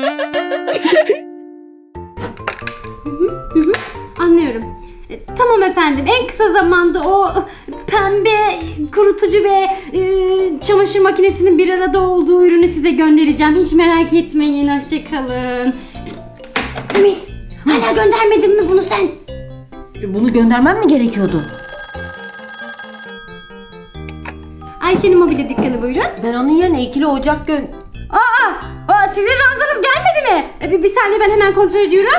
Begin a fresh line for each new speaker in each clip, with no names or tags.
Anlıyorum. Tamam efendim. En kısa zamanda o pembe kurutucu ve çamaşır makinesinin bir arada olduğu ürünü size göndereceğim. Hiç merak etmeyin. Hoşçakalın. Ümit, hala göndermedin mi bunu sen?
Bunu göndermem mi gerekiyordu?
Ayşe'nin mobilya dükkanı buyurun.
Ben onun yerine ikili ocak
Sizin ranzanız gelmedi mi? Bir saniye, ben hemen kontrol ediyorum.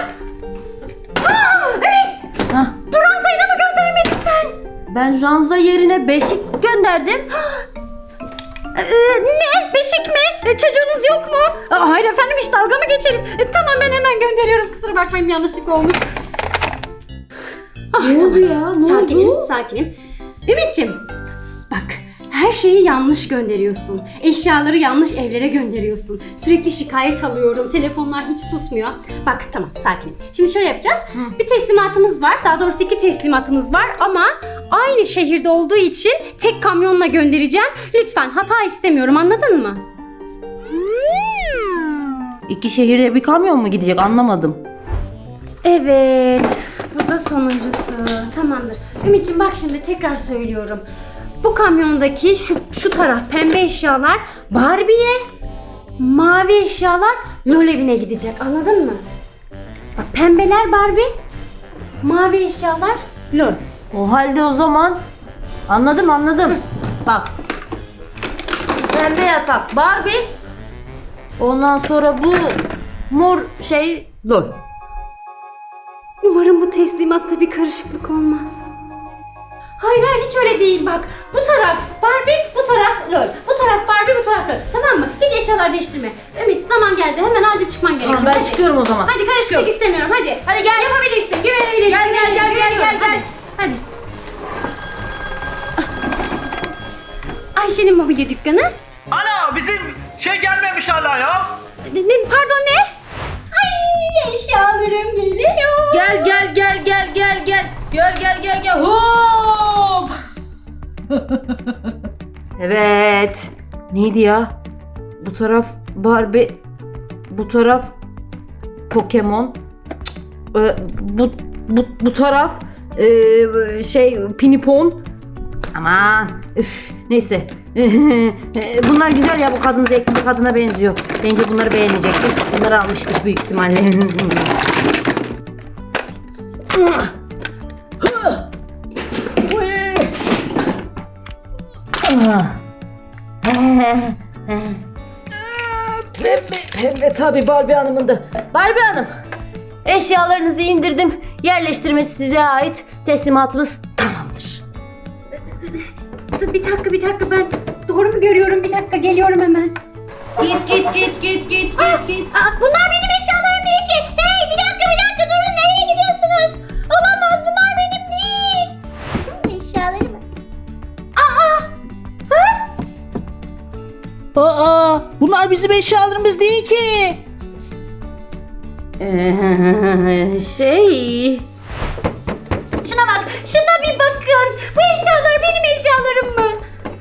Evet.
Hah.
Bu ranzayı da mı göndermedin sen?
Ben ranza yerine beşik gönderdim.
Ne? Beşik mi? Çocuğunuz yok mu? Hayır efendim, hiç dalga mı geçeriz? Tamam, ben hemen gönderiyorum. Kusura bakmayın, yanlışlık olmuş.
Ne oldu ya? Ne
Sakinim,
oldu?
sakinim. Ümit'ciğim, bak, her şeyi yanlış gönderiyorsun. Eşyaları yanlış evlere gönderiyorsun. Sürekli şikayet alıyorum. Telefonlar hiç susmuyor. Bak, tamam, sakinim. Şimdi şöyle yapacağız. Bir teslimatımız var. Daha doğrusu 2 teslimatımız var ama aynı şehirde olduğu için tek kamyonla göndereceğim. Lütfen, hata istemiyorum, anladın mı?
İki şehirde bir kamyon mu gidecek, anlamadım.
Evet, bu da sonuncusu. Tamamdır. Ümit'ciğim, bak şimdi tekrar söylüyorum. Bu kamyondaki şu taraf pembe eşyalar Barbie'ye, mavi eşyalar LOL evine gidecek. Anladın mı? Bak, pembeler Barbie, mavi eşyalar LOL.
O halde o zaman anladım. Bak. Pembe yatak Barbie. Ondan sonra bu mor şey LOL.
Umarım bu teslimatta bir karışıklık olmaz. Hayır, hiç öyle değil bak. Bu taraf Barbie, bu taraf LOL. Bu taraf Barbie, bu taraf LOL. Tamam mı? Hiç eşyalar değiştirme. Ümit, zaman geldi. Hemen acil çıkman gerekiyor.
Tamam, ben
Hadi.
çıkıyorum o zaman.
Hadi, karışıklık istemiyorum. Hadi.
Hadi gel.
Yapabilirsin. Güvenebilirsin.
Gel.
Güveniyorum. Hadi. Ayşe'nin mobilya dükkanı.
Ana bizim şey gelmemiş hala ya.
Pardon, ne? Ay, eşyalarım geliyor.
Gel. Hop. Evet. Neydi ya? Bu taraf Barbie, bu taraf Pokemon. Bu taraf Pinipon. Aman neyse. Bunlar güzel ya, bu kadın zevkli bir kadına benziyor. Bence bunları beğenecektir. Bunları almıştır büyük ihtimalle. Pembe tabii Barbie Hanım'ın da. Barbie Hanım, eşyalarınızı indirdim. Yerleştirmesi size ait. Teslimatımız tamamdır.
Bir dakika, ben doğru mu görüyorum? Bir dakika, geliyorum hemen.
Git.
Bunlar benim eşyalarım değil ki. Hey, bir dakika durun, nereye gidiyorsunuz? Olamaz, bunlar benim değil. Eşyalarım.
Aa, bunlar bizim eşyalarımız değil ki.
Şuna bak, şuna bir bakın. Bu eşyalar benim eşyalarım mı?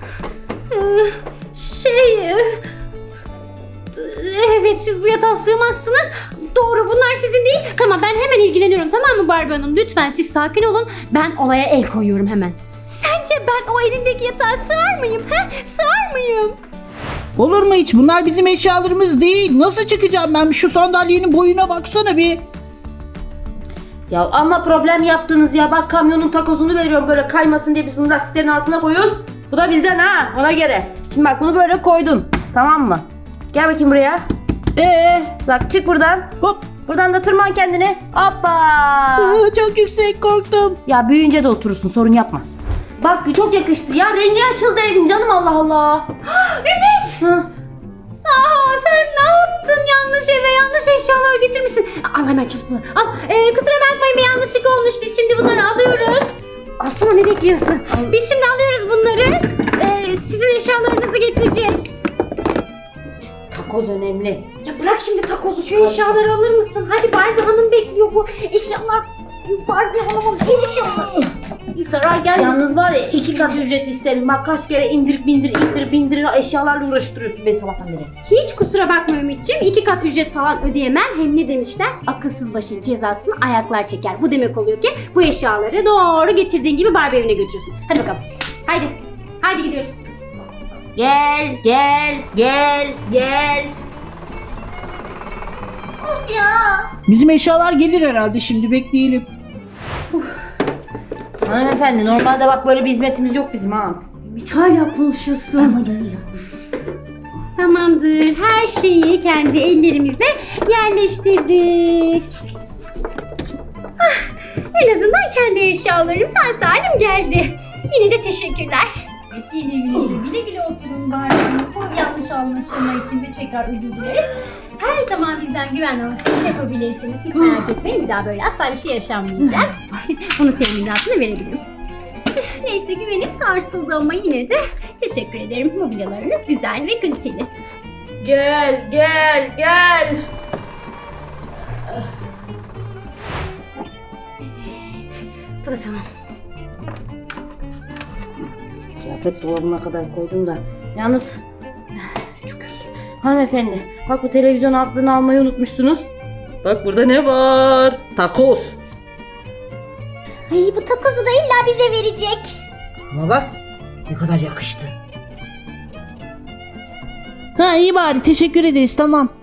Evet, siz bu yatağa sığmazsınız. Doğru, bunlar sizin değil. Tamam, ben hemen ilgileniyorum, tamam mı Barbie Hanım? Lütfen siz sakin olun. Ben olaya el koyuyorum hemen. Sence ben o elindeki yatağa sığar mıyım? Sığar mıyım?
Olur mu hiç? Bunlar bizim eşyalarımız değil. Nasıl çıkacağım ben? Şu sandalyenin boyuna baksana bir.
Ya ama problem yaptınız ya. Bak, kamyonun takozunu veriyorum böyle kaymasın diye, biz bunu lastiklerin altına koyuyoruz. Bu da bizden ha, ona göre. Şimdi bak, bunu böyle koydun. Tamam mı? Gel bakayım buraya. Bak, çık buradan.
Hop.
Buradan da tırman kendini. Hoppa.
Çok yüksek, korktum.
Ya büyüyünce de oturursun, sorun yapma. Bak, çok yakıştı ya, rengi açıldı evin canım, Allah Allah.
Ümit!
Hı.
Sen ne yaptın? Yanlış eve yanlış eşyalar getirmişsin. Al hemen çabuk bunları. Al. Kusura bakmayın, bir yanlışlık olmuş. Biz şimdi bunları alıyoruz. Alsana, ne bekliyorsun? Biz şimdi alıyoruz bunları. Sizin eşyalarınızı getireceğiz.
Takoz önemli.
Ya bırak şimdi takozu, şu eşyaları alır mısın? Hadi, Barbie Hanım bekliyor, bu eşyalar Barbie alamam. Eşyalar. Zarar gelmesin.
Yalnız var ya 2 kat ücret isterim. Bak kaç kere indir bindir eşyalarla uğraştırıyorsun beni sabahtan beri.
Hiç kusura bakma Ümit'ciğim. 2 kat ücret falan ödeyemem. Hem ne demişler? Akılsız başın cezasını ayaklar çeker. Bu demek oluyor ki bu eşyaları doğru getirdiğin gibi Barbie evine götürüyorsun. Hadi bakalım. Haydi. Haydi gidiyoruz.
Gel.
Bizim eşyalar gelir herhalde, şimdi bekleyelim.
Hanımefendi normalde bak böyle bir hizmetimiz yok bizim ha.
Ümit hala konuşuyorsun. Tamamdır. Her şeyi kendi ellerimizle yerleştirdik. Ah, en azından kendi eşyalarım sağ salim geldi. Yine de teşekkürler. Evet, yeni evinizde güle güle oturun bari. Bu yanlış anlaşılma için de tekrar özür dileriz. Her zaman bizden güvenli alışveriş yapabilirsiniz. Hiç merak etmeyin. Bir daha böyle asla bir şey yaşanmayacak. Bunu teminatını verebilirim. Neyse, güvenim sarsıldı ama yine de teşekkür ederim. Mobilyalarınız güzel ve kaliteli.
Gel.
Bu da tamam.
Kıyafet dolabına kadar koydum da. Yalnız çok özür. Hanımefendi bak bu televizyon aklını almayı unutmuşsunuz. Bak burada ne var? Takoz.
Ay, bu takozu da illa bize verecek.
Ama bak ne kadar yakıştı.
Ha iyi bari, teşekkür ederiz, tamam.